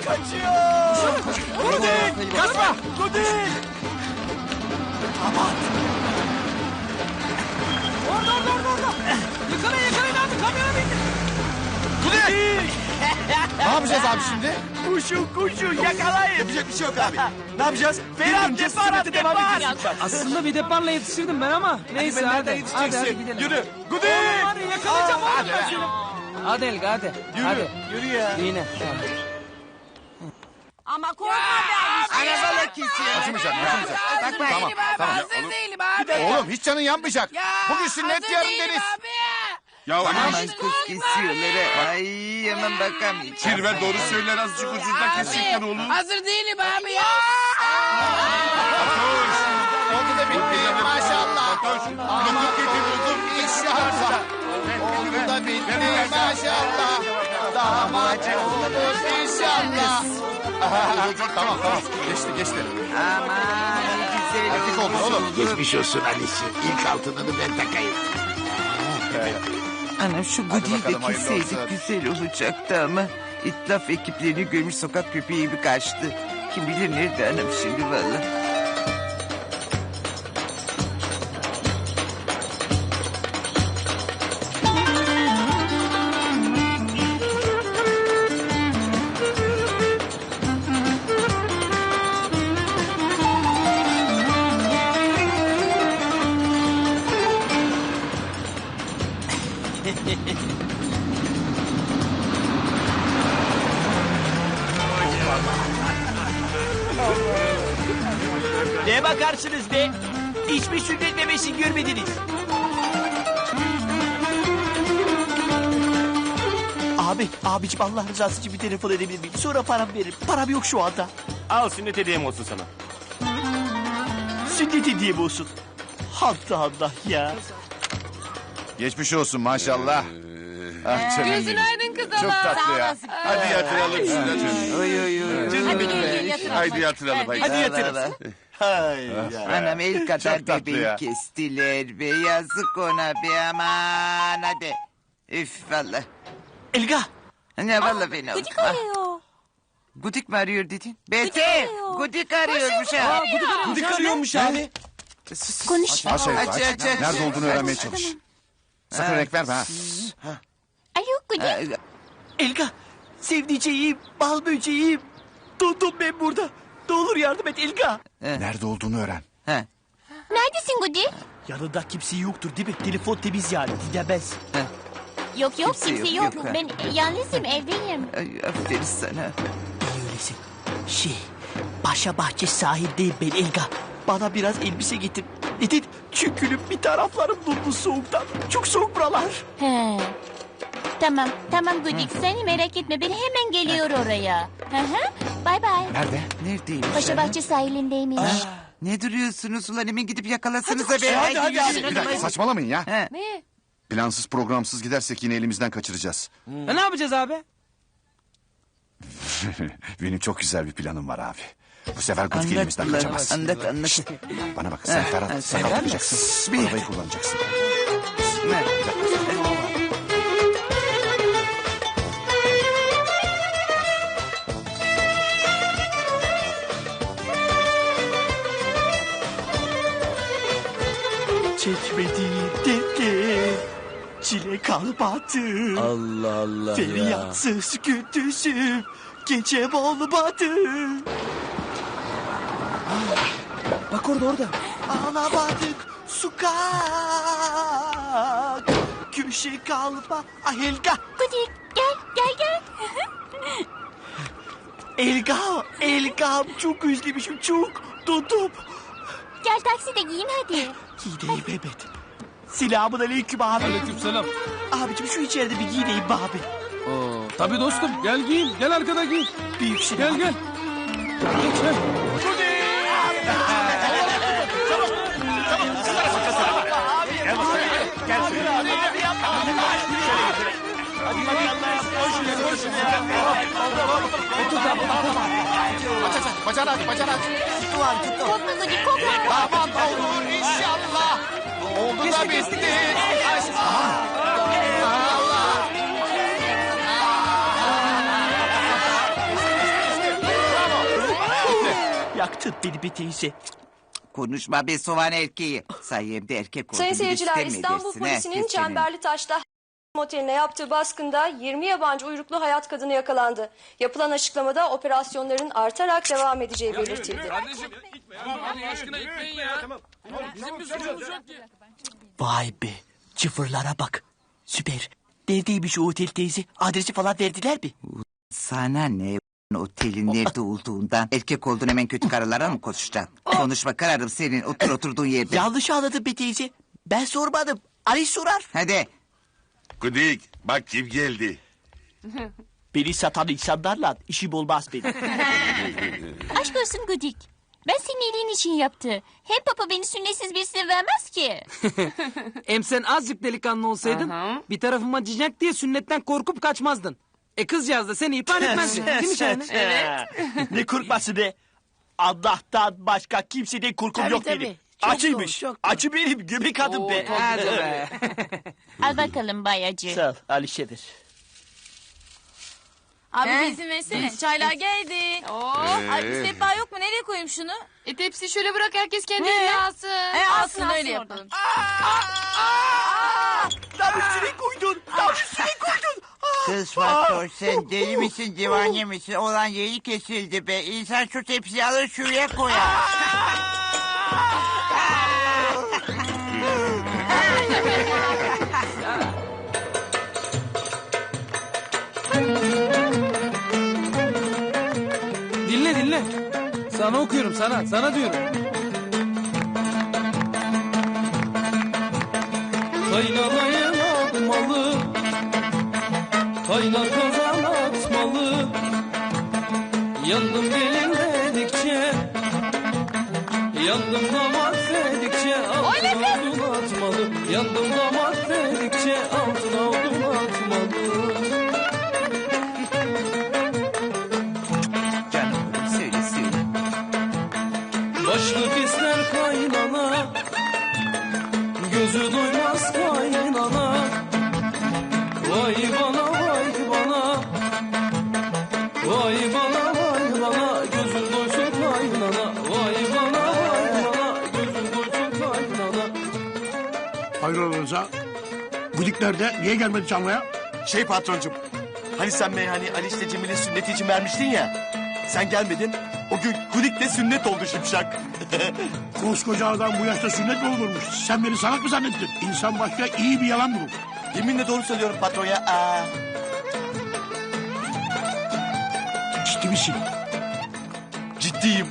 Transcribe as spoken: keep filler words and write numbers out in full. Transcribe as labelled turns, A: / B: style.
A: kaçıyor. Gudin kaçma. Gudin. Aman. Orada orada orada orada. Yakalayın yakalayın abi kamyona bindi. Gudin.
B: Ne yapacağız abi şimdi?
A: Koşun koşun yakalayın.
B: Yapacak bir şey yok abi. Ne yapacağız?
A: Ferhat depar depar.
C: Aslında bir deparla yetişirdim ben ama. Neyse hadi. Hadi, hadi, hadi gidelim.
A: Yürü. Gudin.
C: Hadi yakalayacağım oğlum ben seni. Hadi Elga hadi.
A: Yürü.
C: Hadi.
A: Yürü ya.
C: Yine.
D: Ama korkma ben.
B: Arabala kesiyor. Kaçmayacak, kaçmayacak.
D: Hazır
B: Tamam,
D: değilim abi.
B: tamam.
D: Hazır değilim abi.
B: Oğlum hiç canın yanmayacak.
D: Ya,
B: Bugün sünnet
D: hazır
B: yarın
D: değilim
B: deniz.
D: abi.
E: Ya aman
D: Aman
F: Kız kesiyorlar. Ay aman bakamayacağım.
E: Kirver doğru söyler azıcık ucundan kesecekler oğlum.
D: Hazır değilim abi ya.
B: Oldu da bitti maşallah.
E: Lokum getir lokum.
B: İnşallah. Oldu da bitti maşallah. Damat olur inşallah. Tamam tamam. Geçti geçti.
F: Aman güzel.
B: Erkek oldu oğlum.
G: Geçmiş olsun Ali'ciğim. İlk altınını ben takayım.
F: Anam şu
B: Hadi
F: gudiyi de
B: bakalım, hayırlı
F: kesseydik
B: olsun.
F: güzel olacaktı ama... ...itlaf ekiplerini görmüş sokak köpeği gibi kaçtı. Kim bilir nerede anam şimdi vallahi.
A: Ne bakarsınız be? Hiçbir sünnet memesi görmediniz. Abi, abiciğim Allah rızası için bir telefon edebilir miyim? Sonra param veririm. Param yok şu anda.
H: Al sünnet hediyem olsun sana.
A: Sünnet hediyem olsun. Allah Allah ya.
B: Geçmiş olsun maşallah. Ah canım
D: Gözün
B: benim.
D: aydın kız
B: Çok
D: ama.
B: tatlı ya.
E: Hadi yatıralım sünnetini.
F: Oy oy oy.
D: Hadi gel gel yatır.
E: Haydi yatıralım haydi.
A: Hadi yatırın.
F: Allah.
A: Hay ya.
F: Anam el kadar
B: Çok tatlı
F: bebeği
B: ya.
F: kestiler be. Yazık ona be aman hadi. Üf valla.
A: Elga.
F: Ne valla beni oldu.
D: Gıcık arıyor.
F: Gudik mi arıyor dedin?
D: Gudik
F: Beter.
D: arıyor.
F: Gudik arıyormuş ha.
A: Gudik arıyormuş abi.
D: Konuş.
B: Aç aç
F: Aç,
B: aç.
F: aç, aç.
B: Nerede olduğunu
F: Aç.
B: öğrenmeye çalış. Sakın renk verme ha.
D: Alo Gudi.
F: Ay,
A: Elga. Sevdiceğim, bal böceğim. Dondum ben burada. Ne olur yardım et Elga.
B: Nerede olduğunu öğren.
F: ha.
D: Neredesin Gudi?
A: Yanında kimse yoktur değil mi? Telefon temiz yani. Dinlemez.
D: Yok yok
F: Kimse
D: kimse
F: yok,
D: yok.
F: yok, ha.
D: Ben yalnızım evdeyim.
F: Ay, aferin sana.
A: İyi öylesin. Şey, Paşa Bahçe sahildeyim ben Elga. Bana biraz elbise getir. Neden? Çünkü bir taraflarım dondu soğuktan. Çok soğuk buralar.
D: He. Tamam tamam Gudi seni merak etme ben hemen geliyor oraya. Hı hı. Bay bay.
B: Nerede?
F: Neredeymiş
D: Paşa
F: anam?
D: Bahçe sahilindeymiş.
F: Ne duruyorsunuz ulan hemen gidip yakalasanıza be.
A: hadi, hadi, hadi.
B: Bir dakika saçmalamayın ya.
F: Ha.
D: Ne?
B: Plansız programsız gidersek yine elimizden kaçıracağız.
C: E, ne yapacağız abi?
B: Benim çok güzel bir planım var abi. Bu sefer Gudik
F: Anlat
B: elimizden
F: ulan,
B: kaçamaz.
F: anlat anlat.
B: Bana bak sen
F: Ha,
B: Ferhat
F: ha,
B: sakal
F: sen
B: tutacaksın.
F: Bir.
B: Arabayı kullanacaksın.
F: Ha.
A: Çekmediğim dertler çile kalmadı.
C: Allah Allah
A: Feryatsız gündüzüm gecem olmadı.
C: Bak orada orada.
A: Ağlamadık sokak köşe kalma. Ah Elga,
D: Gudi gel gel gel.
A: Elga, Elga'm çok özlemişim çok. Dondum.
D: Gel takside giyin hadi.
A: Giyineyim hemen. Selamun aleyküm abi.
C: Aleykümselam.
A: Abicim şu içeride bir giyineyim be abi.
C: Oo, tabii dostum gel giyin. Gel arkada giyin.
A: Büyük şey.
C: Gel gel. Geç gel.
B: Aç aç aç. Bacağını aç bacağını aç.
D: Korkma Gudi korkma.
B: Aman olur inşallah. Oldu da bitti. Allah.
A: Tut beni bir teyze.
F: Konuşma be soğan erkeği. Sayemde erkek oldum.
I: Sayın
F: bir de
I: seyirciler,
F: sitem mi
I: İstanbul
F: edersin, ha?
I: polisinin
F: Kes çeneni.
I: Çemberlitaş'ta oteline yaptığı baskında yirmi yabancı uyruklu hayat kadını yakalandı. Yapılan açıklamada operasyonların artarak devam edeceği belirtildi.
C: Kardeşim. Allah aşkına gitmeyin ya. Bizim bir suçumuz yok ki.
A: Vay be. Çıfırlara bak. Süper. Neredeymiş o otel teyze? Adresi falan verdiler mi?
F: Sana ne otelin nerede olduğundan erkek oldun hemen kötü karılara mı koşacaksın? Konuşma kararım senin otur oturduğun yerde.
A: Yanlış anladın be teyze. Ben sormadım. Ali sorar.
F: Hadi.
E: Gudik bak kim geldi.
A: Beni satan insanlarla işim olmaz benim.
D: Aşk olsun Gudik. Ben senin iyiliğin için yaptı. Hem papa beni sünnetsiz birisine vermez ki.
C: Hem sen azıcık delikanlı olsaydın bir tarafıma acıyacak diye sünnetten korkup kaçmazdın. E kızcağız da seni ihbar etmezdi. Değil mi Şahane?
A: Evet. Ne korkması be? Allah'tan başka kimseden korkum yok benim. Acıymış. Acı benim göbek adım be.
C: Hadi be.
D: Al bakalım bayacı.
A: Sağ ol Alişe'dir.
J: Abi bir izin versene. Çaylar geldi. Oo. Ay bir sehpa yok mu? Nereye koyayım şunu? E tepsiyi şöyle bırak herkes kendi eline alsın. E alsın, alsın öyle yapalım.
A: Lan üstüne koydun. Lan üstüne koydun.
F: Kız Fatma sen deli misin divane misin? Olan yeri kesildi be. İnsan şu tepsiyi alır şuraya koyar.
C: Dinle dinle. Sana okuyorum sana. Sana diyorum. Kaynanayı atmalı. Kaynar kazan atmalı. Yandım gelin dedikçe. Yandım damat dedikçe. Altına odun atmalı. Yandım damat dedikçe. Altına odun atmalı.
F: Canım oğlum söyle söyle.
C: Başlık ister kaynana, gözü doymaz kaynana. Vay bana vay bana, vay bana vay bana, gözün doysun kaynana. Vay bana vay bana, gözün doysun kaynana.
G: Hayrola Rıza? Gudik nerede? Niye gelmedi çalmaya?
B: Şey patroncum. Hani sen meyhane Ali işte Cemil'in sünneti için vermiştin ya. Sen gelmedin. O gün Gudik de sünnet oldu Şipşak.
G: Koskoca adam bu yaşta sünnet mi olurmuş? Sen beni salak mı zannettin? İnsan başka iyi bir yalan bulur.
B: Yeminle doğru söylüyorum patron ya. Aa.
G: Ciddi misin?
B: Ciddiyim.